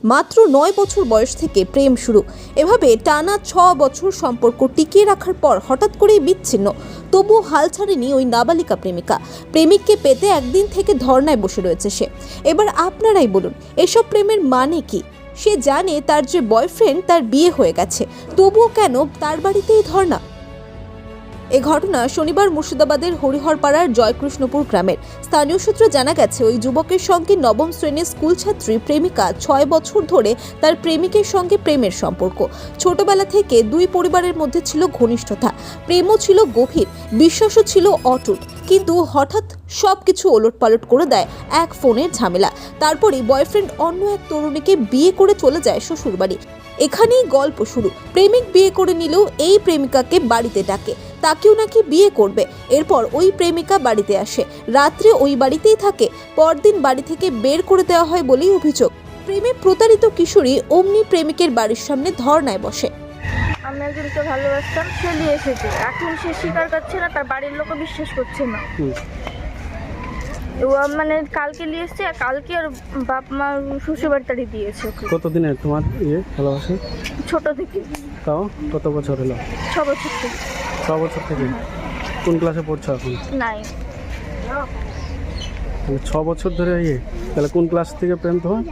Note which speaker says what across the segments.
Speaker 1: মাত্র 9 বছর বয়স থেকে প্রেম শুরু। এভাবে টানা 6 বছর সম্পর্ক টিকিয়ে রাখার পর হঠাৎ করেই বিচ্ছিন্ন। তবুও হাল ছাড়েনি ওই নাবালিকা প্রেমিকা। প্রেমিককে পেতে একদিন থেকে ধর্নায় বসে রয়েছে সে। এবার আপনারাই বলুন, এসব প্রেমের মানে কি? সে জানে তার যে বয়ফ্রেন্ড তার বিয়ে হয়ে গেছে, তবুও কেন তার বাড়িতেই ধর্না? এ ঘটনা শনিবার মুর্শিদাবাদের হরিহরপাড়ার জয়কৃষ্ণপুর গ্রামের। স্থানীয় সূত্রে জানা গেছে, ওই যুবকের সঙ্গে নবম শ্রেণীর স্কুল ছাত্রী প্রেমিকা 6 বছর ধরে তার প্রেমিকের সঙ্গে প্রেমের সম্পর্ক। ছোটবেলা থেকে দুই পরিবারের মধ্যে ছিল ঘনিষ্ঠতা, প্রেমও ছিল গভীর, বিশ্বাসও ছিল অটুট। কিন্তু হঠাৎ সবকিছু ওলটপালট করে দেয় এক ফোনের ঝামেলা। তারপরেই বয়ফ্রেন্ড অন্য এক তরুণীকে বিয়ে করে চলে যায় শ্বশুরবাড়ি। এখানেই গল্প শুরু। প্রেমিক বিয়ে করে নিলেও এই প্রেমিকাকে বাড়িতে ডাকে, তাকেও নাকি বিয়ে করবে। এরপর ওই প্রেমিকা বাড়িতে আসে, রাত্রে ওই বাড়িতেই থাকে। পরদিন বাড়ি থেকে বের করে দেওয়া হয় বলেই অভিযোগ। প্রেমে প্রতারিত কিশোরী অমনি প্রেমিকের বাড়ির সামনে ধর্নায় বসে।
Speaker 2: আমি একজনকে ভালোবাসতাম, সে নিয়ে এসেছে, এখন সে স্বীকার করছে না, তার বাড়ির লোকও বিশ্বাস করছে না। ও মানে কালকে নিয়ে এসছে, কালকে আর বাপ মা শ্বশুর বাড়ি দিয়েছে ওকে।
Speaker 3: কতদিনের তোমার ভালোবাসা?
Speaker 2: ছোট থেকে।
Speaker 3: তাও কত বছর হলো?
Speaker 2: 6 বছর থেকে।
Speaker 3: 6 বছর থেকে? কোন ক্লাসে পড়ছো এখন?
Speaker 2: নাই,
Speaker 3: 6 বছর ধরে তাহলে কোন ক্লাস থেকে প্রেম তোমার?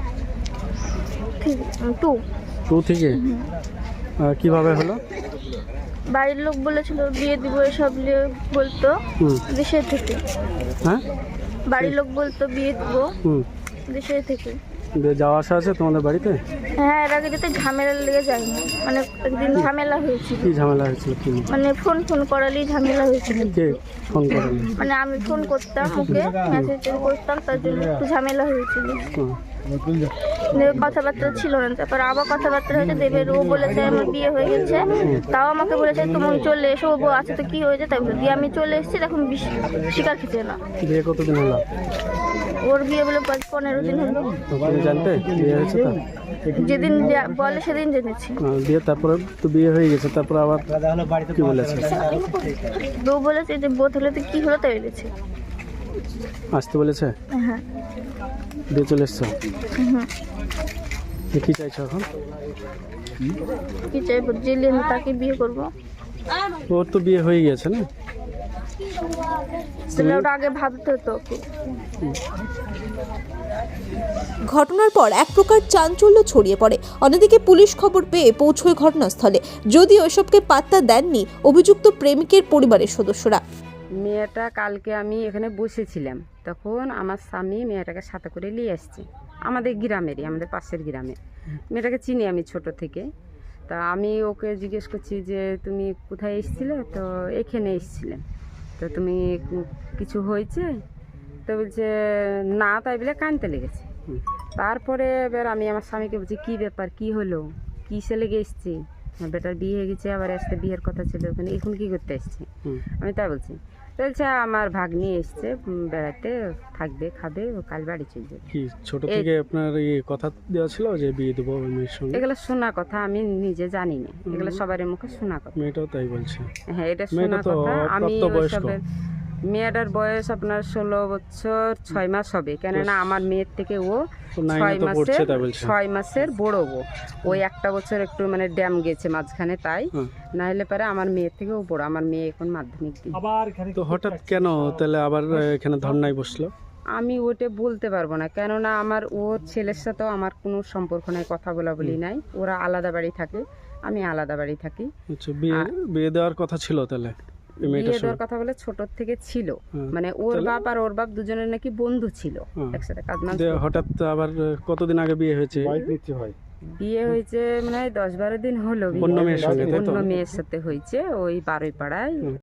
Speaker 2: 2
Speaker 3: থেকে? কিভাবে হলো?
Speaker 2: বাড়ির লোক বলেছিল বিয়ে দিব, এসব বলতো দেশে থেকে।
Speaker 3: হ্যাঁ,
Speaker 2: বাড়ির লোক বলতো বিয়ে দিব দেশে থেকে।
Speaker 3: যাওয়া আসা আছে তোমাদের বাড়িতে?
Speaker 2: হ্যাঁ, এর আগে যেতে ঝামেলা লেগে যায়নি, মানে একদিন ঝামেলা হয়েছিল।
Speaker 3: কি ঝামেলা হয়েছিল? কি
Speaker 2: মানে ফোন করালেই ঝামেলা হয়েছিল।
Speaker 3: কে ফোন করালে?
Speaker 2: মানে আমি ফোন করতাম ওকে, মেসেজ করতাম, তার জন্য একটু ঝামেলা হয়েছিল। কথাবার্তা ছিল না, তারপর আবার কথাবার্তা হয়েছে। দেবের ও বলেছে আমার বিয়ে হয়ে গেছে, তাও আমাকে বলেছে তুমি চলে এসো, ও আছে তো কি হয়েছে তাই বলে দিয়ে আমি চলে এসেছি। তখন স্বীকার খেতে না।
Speaker 3: বিয়ে কতদিন হলো
Speaker 2: ওর? বিয়ে বলে 15 দিন হলো।
Speaker 3: তুমি জানতে বিয়ে হয়েছে? তো
Speaker 2: যেদিন বলে সেদিন জেনেছি।
Speaker 3: বিয়ে তারপরে তো বিয়ে হয়ে গেছে, তারপর আবার কি বলেছে?
Speaker 2: বউ বলেছে যে বোধ হলে তো কি হলো তাই বলেছে।
Speaker 3: আসতে বলেছে?
Speaker 2: হ্যাঁ।
Speaker 3: দিয়ে চলে এসছো? কি চাইছো এখন?
Speaker 2: কি চাইবো? জেলে আমি তাকে বিয়ে করবো।
Speaker 3: ওর তো বিয়ে হয়ে গেছে না?
Speaker 2: তাহলে ওটা আগে ভাবতে হতো ওকে।
Speaker 1: ঘটনার পর এক প্রকার চাঞ্চল্য ছড়িয়ে পড়ে। অন্যদিকে পুলিশ খবর পেয়ে পৌঁছয় ঘটনাস্থলে, যদিও এসবকে পাত্তা দেননি অভিযুক্ত প্রেমিকের পরিবারের সদস্যরা।
Speaker 4: মেয়েটা কালকে আমি এখানে বসেছিলাম, তখন আমার স্বামী মেয়েটাকে সাথে করে নিয়ে আসছে আমাদের গ্রামেরই, আমাদের পাশের গ্রামে। মেয়েটাকে চিনি আমি ছোট থেকে। তা আমি ওকে জিজ্ঞেস করছি যে তুমি কোথায় এসেছিলে? তো এখানে এসেছিলাম। তো তুমি কিছু হয়েছে? তো বলছে না, তাই বলে কাঁদতে লেগেছে। তারপরে এবার আমি আমার স্বামীকে বলছি কী ব্যাপার, কী হলো, কিসে লেগে এসছি? বেটার বিয়ে হয়ে গেছে, আবার আসতে বিয়ের কথা ছিল, ওখানে এখন কী করতে এসছে? আমি তাই বলছি। বলছে আমার ভাগ্নি এসছে বেড়াতে, থাকবে, খাবে, ও কাল বাড়ি চলে যাবে।
Speaker 3: কি ছোট থেকে আপনার কথা দেওয়া ছিল যে বিয়ে দেবো মেয়ের সঙ্গে?
Speaker 4: এগুলো শোনা কথা, আমি নিজে জানি না, এগুলো সবার মুখে শোনা কথা।
Speaker 3: মেয়েটাও তাই বলছে?
Speaker 4: হ্যাঁ, এটা শোনা কথা। আমি মেয়েটার বয়স আপনার 16 বছর 6 মাস হবে, কেননা আমার মেয়ের থেকে ও 6 মাসের বড়। ওই একটা বছর একটু মানে ড্যাম গেছে মাঝখানে, তাই না হলে পরে আমার মেয়ের থেকে ও বড়। আমার মেয়ে এখন মাধ্যমিক দিই।
Speaker 3: তো হঠাৎ কেন তাহলে আবার এখানে ধর্নায় বসলো?
Speaker 4: আমি ওটা বলতে পারবো না, কেননা আমার ওর ছেলের সাথেও আমার কোনো সম্পর্ক নাই, কথা বলা বলি নাই। ওরা আলাদা বাড়ি থাকে, আমি আলাদা বাড়ি থাকি।
Speaker 3: আচ্ছা, বিয়ে দেওয়ার কথা ছিল তাহলে?
Speaker 4: বিয়ে দেওয়ার কথা বলে ছোট থেকে ছিল, মানে ওর বাপ আর ওর বাপ দুজনের নাকি বন্ধু ছিল, একসাথে কাজ।
Speaker 3: হঠাৎ আবার কতদিন আগে বিয়ে হয়েছে?
Speaker 4: বিয়ে হয়েছে মানে 10-12 দিন হলো।
Speaker 3: অন্য মেয়ের সঙ্গে?
Speaker 4: অন্য মেয়ের সাথে হয়েছে, ওই বারুইপাড়ায়।